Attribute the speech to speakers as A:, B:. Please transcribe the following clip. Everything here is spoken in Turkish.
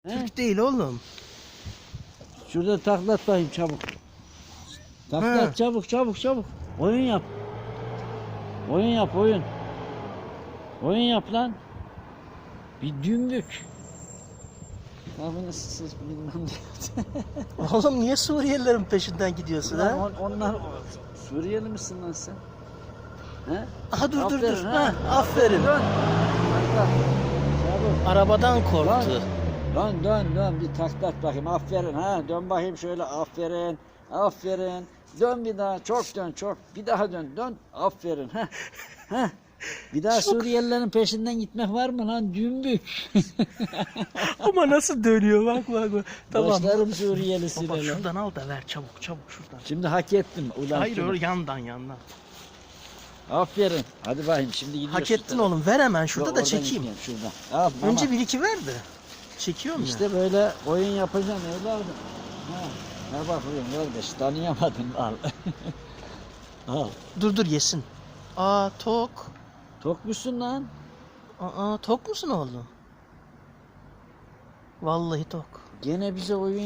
A: Türk değil oğlum.
B: Şurada taklat bakayım çabuk. Taklat çabuk çabuk çabuk. Oyun yap. Oyun yap oyun. Oyun yap lan. Bir dümbük. Abi nasıl ses bilmem ne.
A: Oğlum niye Suriyelilerin peşinden gidiyorsun ha?
B: Onlar Suriyeli misin lan sen? He?
A: Aha dur dur dur.
B: Aferin,
A: Ha, aferin.
B: Dön. Taklat. Çabuk.
A: Arabadan korktu.
B: Dön bir taklat bakayım, aferin ha, dön bakayım şöyle, aferin, dön bir daha, çok dön, çok, bir daha dön, aferin ha. Bir daha Suriyelilerin peşinden gitmek var mı lan, dümbük.
A: Ama nasıl dönüyor bak. Tamam.
B: Başlarım Suriyelisiyle
A: Baba
B: lan.
A: şuradan al da ver çabuk şuradan.
B: Şimdi hak ettim ulan.
A: Hayır
B: şunu.
A: yandan.
B: Aferin, hadi bakayım şimdi gidiyoruz.
A: Hak ettin oğlum, ver hemen şurada
B: Yok,
A: da
B: oradan
A: çekeyim.
B: gitmeyeyim, şuradan. Al, mama.
A: Önce bir iki ver de. Çekiyorum ya.
B: İşte böyle oyun yapacaksın evladım. Ne bakıyorsun kardeş, tanıyamadın, al. Al.
A: Dur yesin. Aa tok.
B: Tok musun lan?
A: Aa tok musun oğlum? Vallahi tok.
B: Gene bize oyun